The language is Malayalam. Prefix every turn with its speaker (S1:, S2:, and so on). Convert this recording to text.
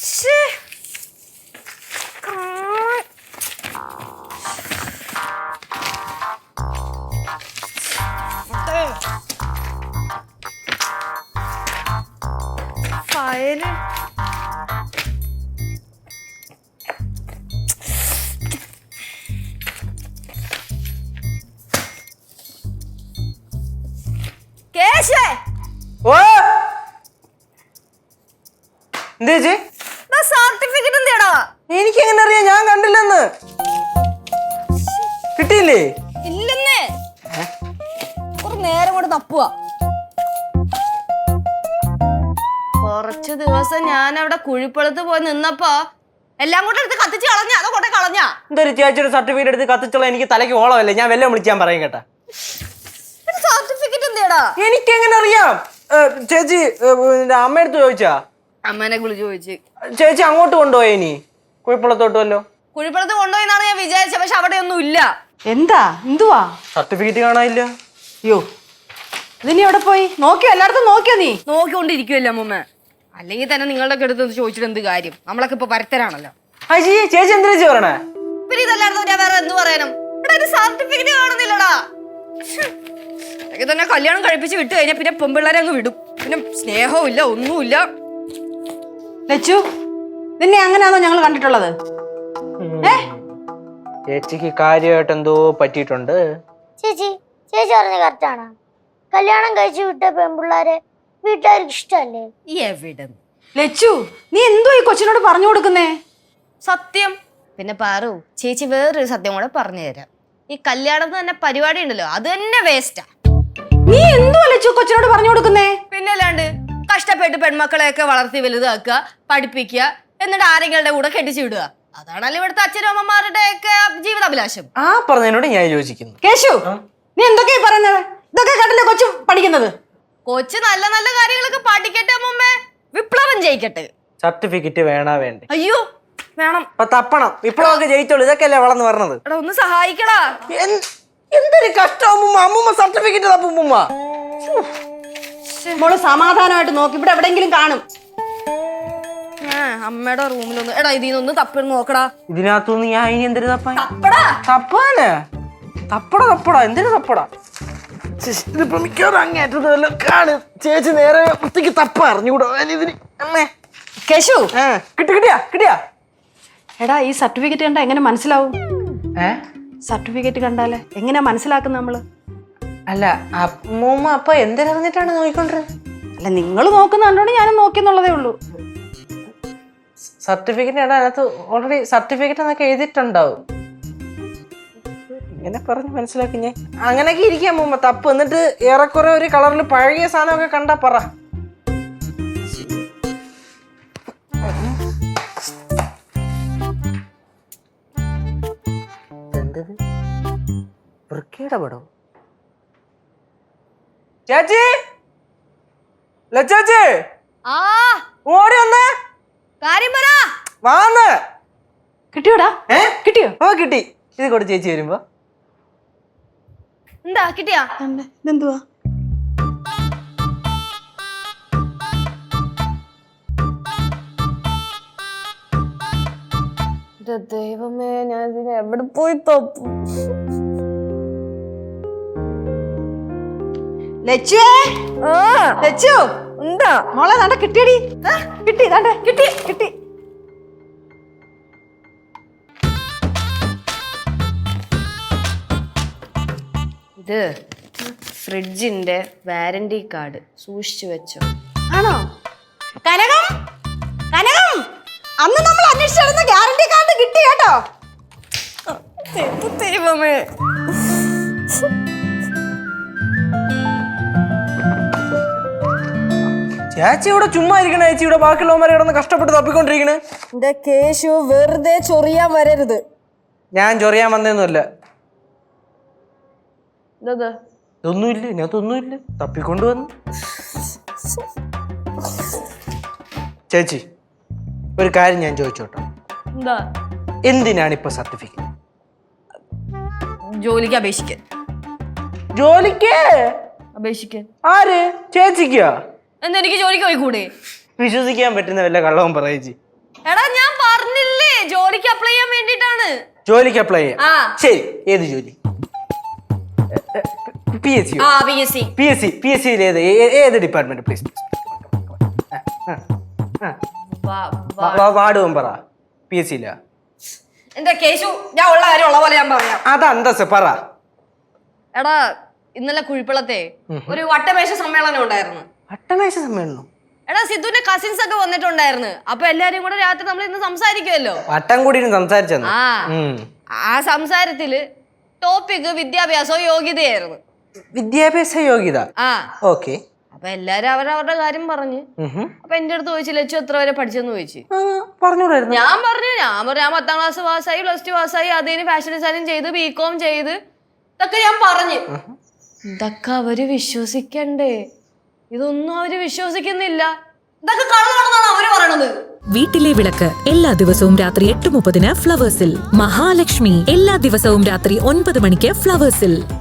S1: ഫയല് കേശേ സർട്ടിഫിക്കറ്റ് എന്തേടാ?
S2: എനിക്ക് എങ്ങനെ അറിയാം? ഞാൻ കണ്ടില്ലെന്ന്. കിട്ടിയില്ലേ?
S1: ഇല്ലെന്നേ. ഒരു നേരം കൊണ്ട് തപ്പുക. കുറച്ചു ദിവസം ഞാൻ അവിടെ കുഴിപ്പുറത്ത് പോയി നിന്നപ്പോ എല്ലാം കൂടെ എടുത്ത് കത്തിച്ച് കളഞ്ഞ. അതോ കൊണ്ടേ കളഞ്ഞ?
S2: എന്തൊരു ചേച്ചിയുടെ സർട്ടിഫിക്കറ്റ് എടുത്ത് കത്തിച്ചുള്ള എനിക്ക് തലയ്ക്ക് ഓളമല്ലേ. ഞാൻ വെല്ലം വിളിച്ചാൻ പറയും കേട്ടാ.
S1: സർട്ടിഫിക്കറ്റ് എന്തേടാ?
S2: എനിക്ക് എങ്ങനെ അറിയാം? ചേച്ചി അമ്മയടുത്ത് ചോദിച്ചാ?
S1: അമ്മേനെ വിളിച്ചു ചോദിച്ചു.
S2: ചേച്ചി അങ്ങോട്ട് കൊണ്ടുപോയി. ഇനി കുഴിപ്പുറത്തോട്ടുമല്ലോ.
S1: കുഴിപ്പുറത്ത് കൊണ്ടുപോയിന്നാണ് ഞാൻ വിചാരിച്ചത്. പക്ഷെ അവിടെ ഒന്നും ഇല്ല.
S3: എന്താ എന്തുവാ?
S2: സർട്ടിഫിക്കറ്റ് കാണാനില്ല.
S3: അയ്യോ, ഇതിനി എവിടെ പോയി? നോക്കിയോ? എല്ലായിടത്തും നോക്കിയോ? നീ
S1: നോക്കിക്കൊണ്ടിരിക്കുവല്ലേ അമ്മൂമ്മ. അല്ലെങ്കിൽ തന്നെ നിങ്ങളുടെ അടുത്ത് ചോദിച്ചിട്ട് എന്ത് കാര്യം? നമ്മളൊക്കെ ഇപ്പൊ പരത്തരാണല്ലോ.
S2: ചേച്ചി എന്തിനാ പറയണേ?
S1: പിന്നെ ഇതല്ലാതെ ഞാൻ വേറെ എന്ത് പറയാനും? സർട്ടിഫിക്കറ്റ് കാണുന്നില്ലടാ. തന്നെ കല്യാണം കഴിപ്പിച്ച് വിട്ടു കഴിഞ്ഞാൽ പിന്നെ പെമ്പിള്ളേരെ അങ്ങ് വിടും. പിന്നെ സ്നേഹവും ഇല്ല, ഒന്നുമില്ല.
S3: ലച്ചു, നിന്നെ അങ്ങനെയാണോ ഞങ്ങൾ കണ്ടിട്ടുള്ളത്?
S2: ചേച്ചിക്ക് കാര്യമായിട്ട് എന്തോ പറ്റിയിട്ടുണ്ട്.
S4: ചേച്ചി പറഞ്ഞ കറക്റ്റാണ്. കല്യാണം കഴിച്ചു വിട്ട പെൺപിള്ളാരെ വീട്ടുകാർക്ക് ഇഷ്ടല്ലേ?
S1: എവിടെ
S3: ലച്ചു, നീ എന്തോ ഈ കൊച്ചിനോട് പറഞ്ഞു കൊടുക്കുന്നേ?
S1: സത്യം. പിന്നെ പാറു ചേച്ചി വേറൊരു സത്യം കൂടെ പറഞ്ഞു തരാം. ഈ കല്യാണത്തിന് തന്നെ പരിപാടി ഉണ്ടല്ലോ, അത് തന്നെ വേസ്റ്റാ.
S3: നീ എന്തോ ലച്ചു കൊച്ചിനോട് പറഞ്ഞു കൊടുക്കുന്നേ?
S1: പിന്നെ അല്ലാണ്ട് കഷ്ടപ്പെട്ട് പെൺമക്കളെയൊക്കെ വളർത്തി വലുതാക്കുക, പഠിപ്പിക്കുക, എന്നിട്ട് ആരെങ്കിലും കൂടെ കെട്ടിച്ചു വിടുക. അതാണല്ലോ ഇവിടുത്തെ അച്ഛനും അമ്മമാരുടെ ഒക്കെ ജീവിതാഭിലാഷം.
S2: ആ പറഞ്ഞതിനോട് ഞാൻ യോജിക്കുന്നു.
S3: കേശു, നീ എന്തൊക്കെയാ പറയുന്നത്? ഇതൊക്കെ കണ്ടല്ലേ കൊച്ചു പഠിക്കുന്നത്?
S1: കൊച്ചു നല്ല നല്ല കാര്യങ്ങളൊക്കെ പഠിക്കട്ടെ അമ്മൂമ്മേ. വിപ്ലവം ജയിക്കട്ടെ.
S2: സർട്ടിഫിക്കറ്റ് വേണ വേണ്ടേ?
S1: അയ്യോ വേണം.
S2: തപ്പണം. വിപ്ലവമൊക്കെ ജയിച്ചോളൂ. ഇതൊക്കെയല്ലേ വളർന്ന് പറഞ്ഞത്.
S1: എടാ ഒന്ന് സഹായിക്കടാ.
S2: എന്തൊരു കഷ്ടം അമ്മൂമ്മ. അമ്മൂമ്മ സർട്ടിഫിക്കറ്റ് തപ്പുമ്മ.
S3: മോള് സമാധാനമായിട്ട് നോക്കി. ഇവിടെ എവിടെയെങ്കിലും കാണും.
S1: അമ്മയുടെ റൂമിലൊന്ന് എടാ ഇതിനൊന്ന് തപ്പി നോക്കടാ.
S2: ഇതിനകത്തൊന്ന് ഞാൻ ഇനി എന്തൊരു തപ്പാൻ?
S1: തപ്പടാ.
S2: തപ്പടാ എന്തിനു തപ്പടാ? ഇതിപ്പോ മിക്കവാറും അങ്ങേറ്റതല്ലോ കാണു. ചേച്ചി നേരെ വൃത്തിക്ക് തപ്പ അറിഞ്ഞുകൂടോ ഇതിന്? അമ്മേ
S3: കേശു,
S2: കിട്ടിയാ?
S3: എടാ ഈ സർട്ടിഫിക്കറ്റ് കണ്ടാ എങ്ങനെ മനസ്സിലാവും? സർട്ടിഫിക്കറ്റ് കണ്ടാലേ എങ്ങനെയാ മനസ്സിലാക്കുന്നത് നമ്മള്?
S2: അല്ല അമ്മൂമ്മ അപ്പൊ എന്തിനറിഞ്ഞിട്ടാണ് നോക്കിക്കൊണ്ടിരുന്നത്?
S3: അല്ല നിങ്ങൾ നോക്കുന്ന കണ്ടോണ്ട് ഞാനും നോക്കിയെന്നുള്ളതേ ഉള്ളൂ.
S2: സർട്ടിഫിക്കറ്റ് അതിനകത്ത് ഓൾറെഡി സർട്ടിഫിക്കറ്റ് എന്നൊക്കെ എഴുതിയിട്ടുണ്ടാവും. ഇങ്ങനെ പറഞ്ഞ് മനസ്സിലാക്കി ഞാൻ. അങ്ങനെയൊക്കെ ഇരിക്കാം അമ്മൂമ്മ. തപ്പ് എന്നിട്ട് ഏറെക്കുറെ ഒരു കളറിൽ പഴകിയ സാധനമൊക്കെ കണ്ടാ പറ. എന്തത്? വൃക്കയുടെ പടം? ചേച്ചി ലച്ചേച്ചി ഓടി വന്നേ.
S1: കാര്യം പറ.
S2: വാന്ന്.
S3: കിട്ടിയോടാ? കിട്ടിയോ?
S2: ഓ കിട്ടി. ഇത് കൂടെ ചേച്ചി വരുമ്പോ.
S1: എന്താ കിട്ടിയാ?
S3: ഇതെന്തുവാ?
S1: ദൈവമേ, ഞാൻ ഇതിനെ എവിടെ പോയി തപ്പും?
S3: ലച്ചു
S1: എന്താ
S3: മോളെ ദാണ്ട കിട്ടിയടി. കിട്ടി.
S1: ഇത് ഫ്രിഡ്ജിന്റെ വാറന്റി കാർഡ് സൂക്ഷിച്ചു വെച്ചോ.
S3: ആണോ? കനകം അന്ന് നമ്മൾ അന്വേഷിച്ചിരുന്ന ഗ്യാരണ്ടി കാർഡ് കിട്ടി കേട്ടോ.
S1: ദൈവമേ,
S2: ചേച്ചി ഇവിടെ ചുമ്മാ ഇരിക്കണ. ചേച്ചി ഇവിടെ ബാക്കിയുള്ളവന്മാരെ കിടന്ന് കഷ്ടപ്പെട്ട് തപ്പിക്കൊണ്ടിരിക്കണ്.
S1: എന്റെ കേശു വെറുതെ ചൊറിയാൻ വരരുത്.
S2: ഞാൻ ചൊറിയാൻ വന്നതൊന്നുമല്ല.
S1: ഒന്നുമില്ല,
S2: ഇതിനകത്തൊന്നുമില്ല. തപ്പിക്കൊണ്ടുവന്നു. ചേച്ചി ഒരു കാര്യം ഞാൻ ചോദിച്ചോട്ടെ?
S1: എന്താ?
S2: എന്തിനാണ് ഇപ്പൊ സർട്ടിഫിക്കറ്റ്?
S1: ജോലിക്ക് അപേക്ഷിക്കാൻ.
S2: അപേക്ഷിക്കാൻ ആര്? ചേച്ചിക്കോ?
S1: എന്താ എനിക്ക് ജോലിക്ക് പോയിക്കൂടെ?
S2: വിശ്വസിക്കാൻ പറ്റുന്ന വല്ല കള്ളവും പറയേച്ചി.
S1: എടാ ഞാൻ പറഞ്ഞില്ലേ ജോലിക്ക് അപ്ലൈ ചെയ്യാൻ വേണ്ടിട്ടാണ്.
S2: ജോലിക്ക് അപ്ലൈ ചെയ്യാം.
S1: ആ.
S2: ശരി, ഏത് ജോലി? PSC.
S1: ആ PSC.
S2: PSC ഏത് ഡിപ്പാർട്ട്മെന്റ് പ്ലീസ്? വാർഡ് മെമ്പറാ PSC യിലാ?
S1: എന്റെ കേശു ഞാൻ ഉള്ള കാര്യം ഉള്ള പോലെ ഞാൻ പറയാം.
S2: അത് അന്തസ് പറ.
S1: എടാ ഇന്നലെ കുഴിപ്പളത്തെ ഒരു വട്ടമേശ സമ്മേളനം ഉണ്ടായിരുന്നു.
S2: വട്ടമേശ സമ്മേളനം?
S1: എടാ സിദ്ധുവിന്റെ കസിൻസ് ഒക്കെ വന്നിട്ടുണ്ടായിരുന്നു. അപ്പൊ എല്ലാരും കൂടെ രാത്രി നമ്മൾ ഇന്ന് സംസാരിക്കുമല്ലോ.
S2: വട്ടം കൂടി സംസാരിച്ചെന്ന്.
S1: ആ സംസാരത്തില് ടോപ്പിക് വിദ്യാഭ്യാസവും യോഗ്യതയായിരുന്നു.
S2: വിദ്യാഭ്യാസ യോഗ്യത.
S1: ആ
S2: ഓക്കെ.
S1: അപ്പൊ എല്ലാരും അവരവരുടെ കാര്യം പറഞ്ഞു. അപ്പൊ എന്റെ അടുത്ത് ചോദിച്ചു ലച്ചു എത്ര വരെ പഠിച്ചെന്ന് ചോദിച്ചു.
S2: പറഞ്ഞൂടായിരുന്നു?
S1: ഞാൻ പറഞ്ഞു ഞാൻ 10ാം ക്ലാസ് പാസ്സായി, +2 പാസ്സായി, അതിന് ഫാഷൻ ഡിസൈനിങ് ചെയ്ത് BCom ചെയ്ത് ഇതൊക്കെ ഞാൻ പറഞ്ഞു. ഇതൊക്കെ അവര് വിശ്വസിക്കണ്ടേ? ഇതൊന്നും അവര് വിശ്വസിക്കുന്നില്ല. ഇതൊക്കെ കള്ളമാണെന്നാണ് അവര് പറയണത്.
S5: വീട്ടിലെ വിളക്ക് എല്ലാ ദിവസവും രാത്രി 8:30 ഫ്ലവേഴ്സിൽ. മഹാലക്ഷ്മി എല്ലാ ദിവസവും രാത്രി 9 മണിക്ക് ഫ്ലവേഴ്സിൽ.